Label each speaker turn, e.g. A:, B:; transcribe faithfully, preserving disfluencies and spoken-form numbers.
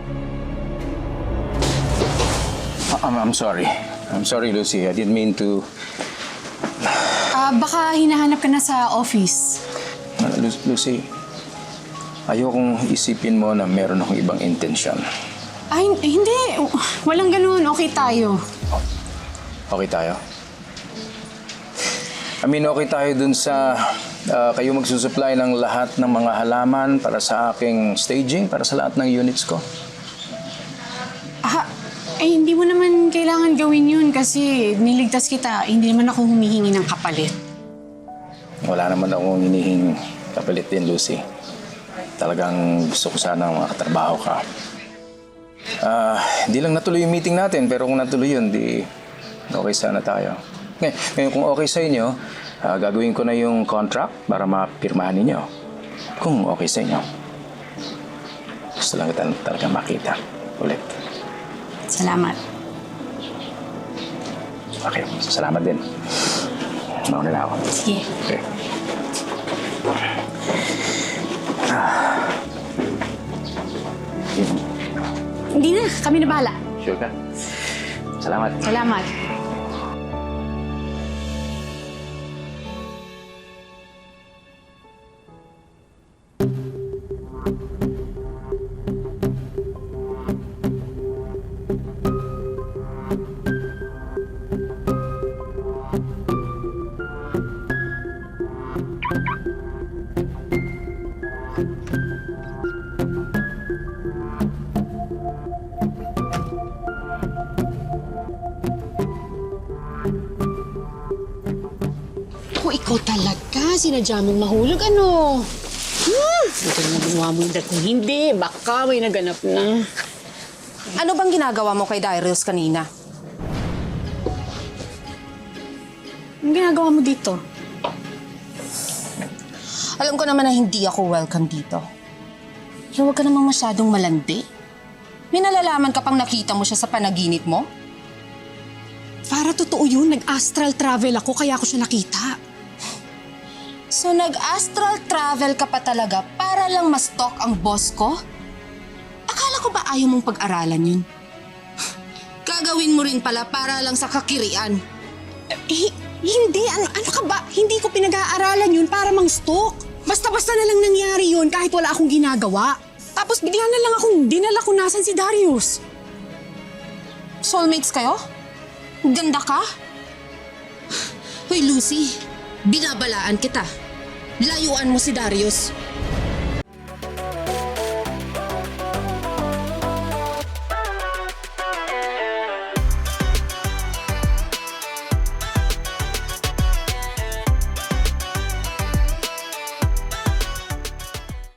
A: I'm, I'm sorry. I'm sorry, Lucy. I didn't mean to...
B: Ah, baka hinahanap ka na sa office.
A: Uh, Lu- Lucy, ayokong isipin mo na meron akong ibang intensyon.
B: Ay, hindi. Walang ganun. Okay tayo.
A: Okay tayo? I mean, okay tayo dun sa uh, kayo magsusupply ng lahat ng mga halaman para sa aking staging, para sa lahat ng units ko.
B: Ah, eh, hindi mo naman kailangan gawin yun kasi niligtas kita. Hindi naman ako humihingi ng kapalit.
A: Wala naman akong hinihing kapalit din, Lucy. Talagang gusto ko sana makatrabaho ka. Ah, hindi lang natuloy yung meeting natin, pero kung natuloy yun, di okay sana tayo. Ngay- Ngayon, kung okay sa inyo, ah, gagawin ko na yung contract para mapirmahan ninyo. Kung okay sa inyo. Gusto lang kita talaga makita ulit.
B: Salamat.
A: Okay, salamat din. Mauna na ako.
B: Sige.
A: Okay. Yun.
B: Hindi na. Kami na bahala.
A: Sure ka? Salamat.
B: Salamat.
C: Ako, ikaw talaga. Sinadya mong mahulog, ano? Hmm, ito na ginawa mo yung kung hindi. Baka may naganap na.
D: Ano bang ginagawa mo kay Darius kanina?
B: Anong ginagawa mo dito?
D: Alam ko naman na hindi ako welcome dito. Pero huwag ka namang masyadong malandi. May nalalaman ka pang nakita mo siya sa panaginip mo?
C: Para totoo yun, nag-astral travel ako kaya ako siya nakita.
D: So nag-astral travel ka pa talaga para lang ma-stalk ang boss ko? Akala ko ba ayaw mong pag-aralan yun? Gagawin mo rin pala para lang sa kakirian.
C: Eh, hindi. Ano, ano ka ba? Hindi ko pinag-aaralan yun para mang-stalk. Basta-basta na lang nangyari yun kahit wala akong ginagawa. Tapos bigla na lang akong dinala kung nasan si Darius.
D: Soulmates kayo? Ganda ka? Hoy Lucy, binabalaan kita. Layuan mo si Darius.